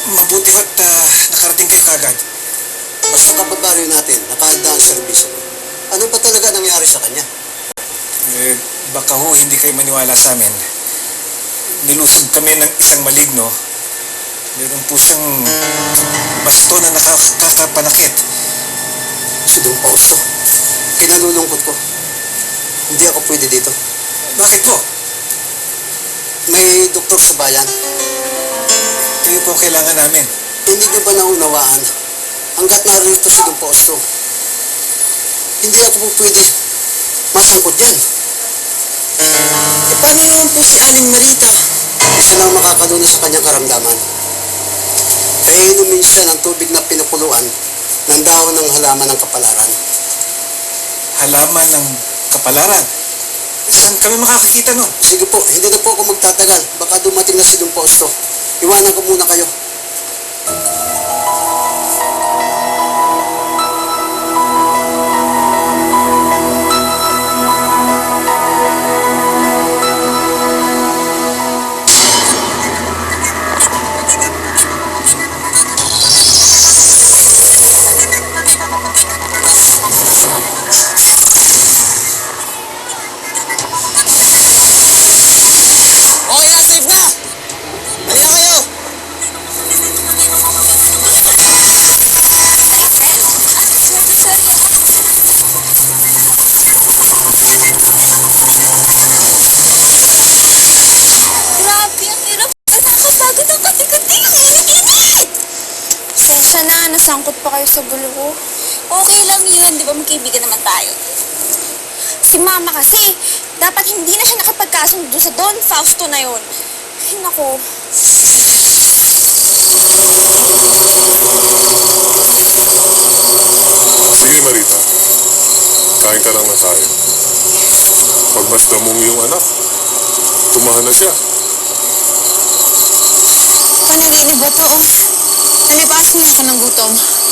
Mabuti ho't nakarating kayo kagad. Basta kababaryo natin, nakahanda ang serbisyo. Ano ba talaga nangyari sa kanya? Baka ho hindi kayo maniwala sa amin. Nilusog kami ng isang maligno. Meron po siyang basto na nakakapanakit. Si Don Fausto, kinalulungkot ko. Hindi ako pwede dito. Bakit po? May doktor sa bayan. Kayo po kailangan namin. Hindi niyo ba naunawaan? Hanggat narito si Don Fausto, hindi ako po pwede masangkot yan. Paano naman po si Aling Marita? Isa lang makakalunas sa kanyang karamdaman. Kaya inumin siya ng tubig na pinakuluan ng dahon ng halaman ng kapalaran. Halaman ng kapalaran? Saan kami makakakita nun? Sige po, hindi na po ako magtatagal. Baka dumating na si Don Fausto. Iwanan ko muna kayo. Okay na, safe na! Halika kayo! Grabe, ang hirap. Nakakapagod ang kati-kati. Ang init-init! Sensya na, nasangkot pa kayo sa gulo ko. Okay lang yun, di ba magkaibigan naman tayo? Si Mama kasi, dapat hindi na siya nakapagkasundo sa Don Fausto na yun. Ay, naku. Sige, Marita. Kain ka lang na tayo. Pagmasda mong iyong anak, tumahan na siya. Panaginip ba to? Nalipas niya ako ng gutom.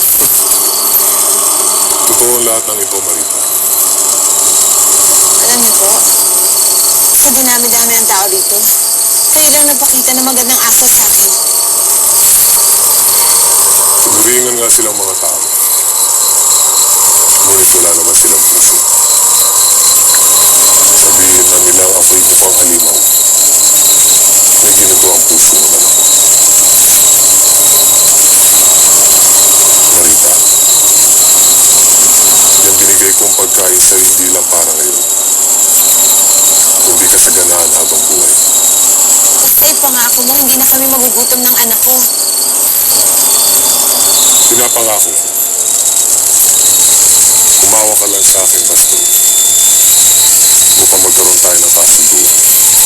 Totoo ang lahat ng ito, Marita. Alam niyo po, sa dinami-dami ng tao dito, kayo lang nagpakita ng magandang asal sa akin. Sumuringan nga silang mga tao. Ngunit wala naman silang puso. Sabihin lang nilang ako'y mukhang halimaw. May ginagawang puso naman ako. Marita, yung binigay kong pagkain sa'yo hindi lang para ngayon, kundi kasaganaan habang buhay. Kasi pangako mo, hindi na kami magugutom ng anak ko. Pinapangako ko. Umawa ka lang sa akin, Baston. Mukhang magkaroon tayo ng kasunduan.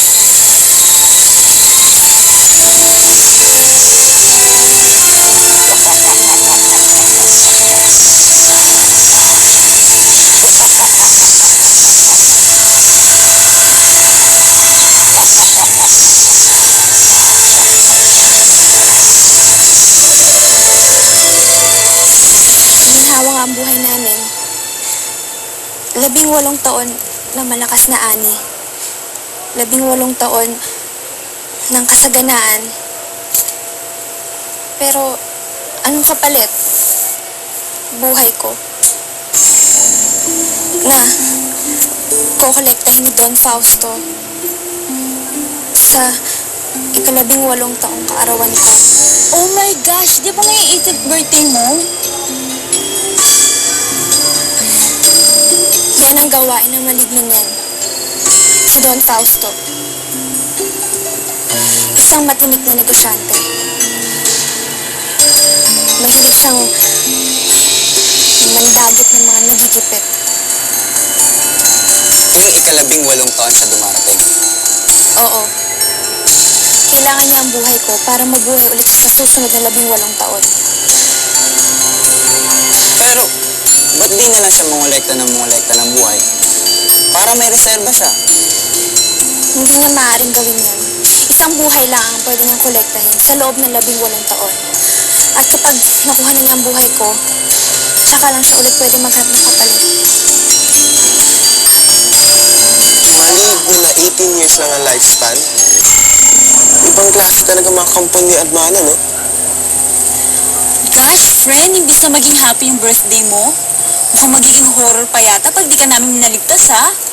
Ginhawa nga ang buhay namin. 18 taon na malakas na ani. 18 taon ng kasaganaan. Pero, anong kapalit? Buhay ko. Na, kokolektahin ni Don Fausto sa 18 taong kaarawan ko. Oh my gosh! Di ba ngayon 18th birthday mo? Yan ang gawain ng maligno niyan. Si Don Fausto. Isang matinik na negosyante. Mahilig siyang mandagit ng mga nagigipit. Yung 18 taon siya dumarating. Oo. Kailangan niya ang buhay ko para mabuhay ulit sa susunod na 18 taon. Pero, ba't di na lang siya mongolekta ng buhay? Para may reserba siya. Hindi niya maaaring gawin yan. Isang buhay lang ang pwede niyang kolektahin sa loob ng 18 taon. At kapag nakuha na niya ang buhay ko, tsaka lang siya ulit pwede maghanap ng kapalit. Maligo na 18 years lang ang lifespan. Ibang klase talaga mga kampon ni Admana, no? Friend, imbis na maging happy yung birthday mo, mukhang magiging horror pa yata pag di ka namin naligtas, ha?